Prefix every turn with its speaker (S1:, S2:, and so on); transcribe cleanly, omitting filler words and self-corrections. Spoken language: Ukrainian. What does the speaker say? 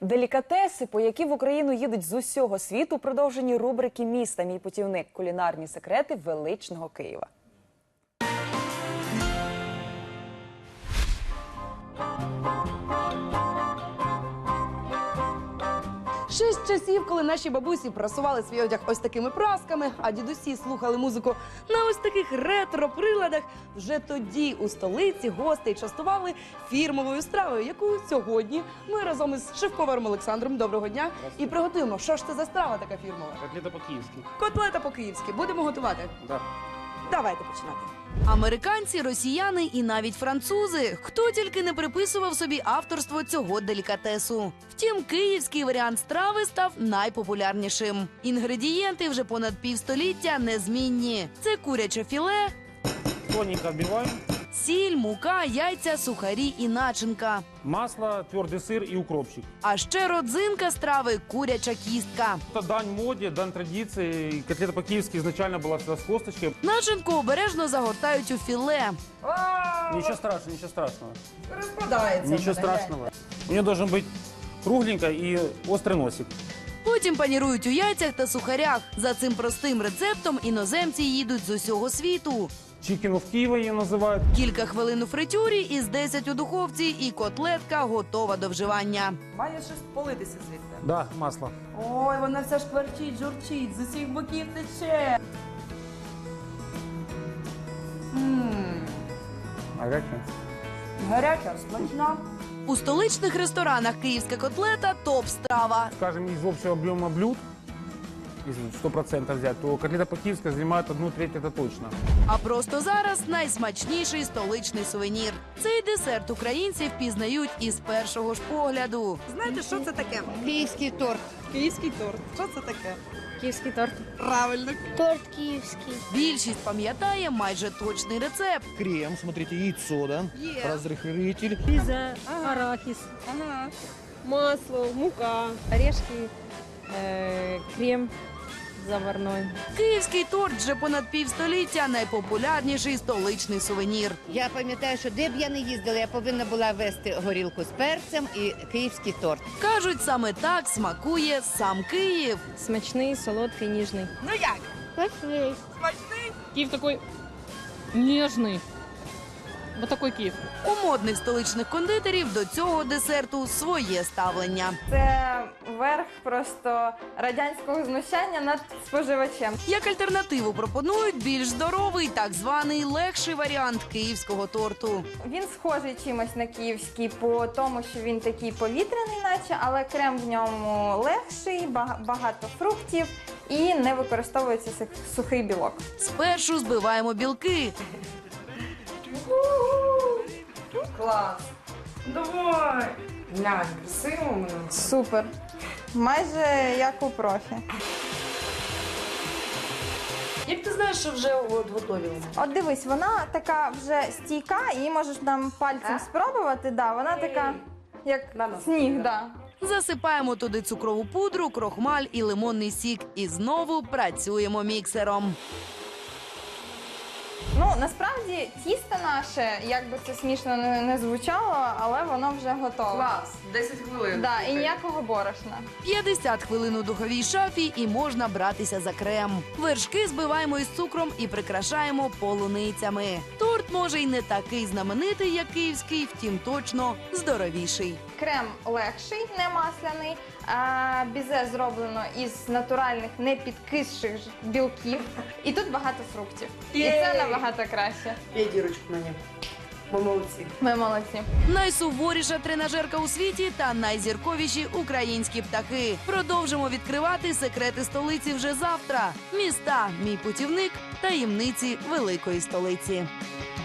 S1: Делікатеси, по які в Україну їдуть з усього світу, продовжені рубрики «Міста. Мій путівник. Кулінарні секрети величного Києва».
S2: Ще з часів, коли наші бабусі прасували свій одяг ось такими прасками, а дідусі слухали музику на ось таких ретро-приладах, вже тоді у столиці гостей частували фірмовою стравою, яку сьогодні ми разом із шеф-поваром Олександром, доброго дня, і приготуємо. Що ж це за страва така фірмова?
S3: Котлета по-київськи.
S2: Котлета по-київськи. Будемо готувати?
S3: Да.
S2: Давайте починати. Американці, росіяни і навіть французи. Хто тільки не приписував собі авторство цього делікатесу. Втім, київський варіант страви став найпопулярнішим. Інгредієнти вже понад півстоліття незмінні. Це куряче філе,
S3: Тоненько отбиваем.
S2: сіль, мука, яйця, сухарі і начинка.
S3: Масло, твердый сыр и укропчик.
S2: А ще родзинка страви – куряча кістка.
S3: Это дань моде, дань традиции. Котлета по-киевски изначально была всегда с косточкой.
S2: Начинку обережно загортають у філе.
S3: Ничего страшного, ничего страшного.
S2: Розпадається.
S3: Ничего страшного. У нее должен быть кругленько и острый носик.
S2: Потім панірують у яйцях та сухарях. За цим простим рецептом іноземці їдуть з усього світу.
S3: Чикину в Киеве ее называют.
S2: Кілька хвилин у фритюрі із 10 у духовці і котлетка готова до вживання. Має щось политися звідти.
S3: Да, масло.
S2: Ой, вона вся шкварчить, журчить, з усіх боків тече.
S3: Горячая.
S2: Гаряча, смачна. У столичних ресторанах київська котлета – топ-страва.
S3: Скажем, из общего объема блюд, если 100% взять, то котлета по-киевски занимает 1/3, это точно.
S2: А просто зараз найсмачніший столичний сувенір. Цей десерт українці впізнають із першого ж погляду. Знаєте, що це таке?
S4: Київський торт.
S2: Київський торт. Що це таке?
S4: Київський торт.
S2: Правильно.
S4: Торт київський.
S2: Більшість пам'ятає майже точний рецепт.
S5: Крем, смотрите, яйцо, да? Разрыхлитель.
S6: Пиза, арахис, масло, мука, орешки, крем заварной.
S2: Київський торт вже понад півстоліття – найпопулярніший столичний сувенір.
S4: Я пам'ятаю, що де б я не їздила, я повинна була вести горілку з перцем і київський торт.
S2: Кажуть, саме так смакує сам Київ.
S6: Смачный, солодкий, нежный.
S2: Ну як?
S4: Смачний.
S6: Киев такой нежный. Вот такой Киев.
S2: У модних столичних кондитерів до цього десерту своє ставлення.
S7: Це верх просто радянського знущання над споживачем.
S2: Як альтернативу пропонують більш здоровий, так званий легший варіант київського торту.
S7: Він схожий чимось на київський по тому, що він такий повітряний наче, але крем в ньому легший, багато фруктів і не використовується сухий білок.
S2: Спершу збиваємо білки.
S7: Клас!
S2: Давай! Глянь, красиво воно.
S7: Супер! Майже як у профі.
S2: Як ти знаєш, що вже готові вони?
S7: От дивись, вона така вже стійка, її можеш там пальцем спробувати. Да, вона така, як сніг. Да.
S2: Засипаємо туди цукрову пудру, крохмаль і лимонний сік. І знову працюємо міксером.
S7: Ну, насправді, тісто наше, як би це смішно не звучало, але воно вже готове.
S2: 10 хвилин.
S7: Да, і ніякого борошна.
S2: 50 хвилин у духовій шафі і можна братися за крем. Вершки збиваємо із цукром і прикрашаємо полуницями. Торт може й не такий знаменитий, як київський, втім точно здоровіший.
S7: Крем легший, не масляний, а бізе зроблено із натуральних непідкисших білків. І тут багато фруктів. І це набагато краще.
S2: Я дірочку мені. Ми молодці.
S7: Ми молодці.
S2: Найсуворіша тренажерка у світі та найзірковіші українські птахи. Продовжимо відкривати секрети столиці вже завтра. Міста, мій путівник, таємниці великої столиці.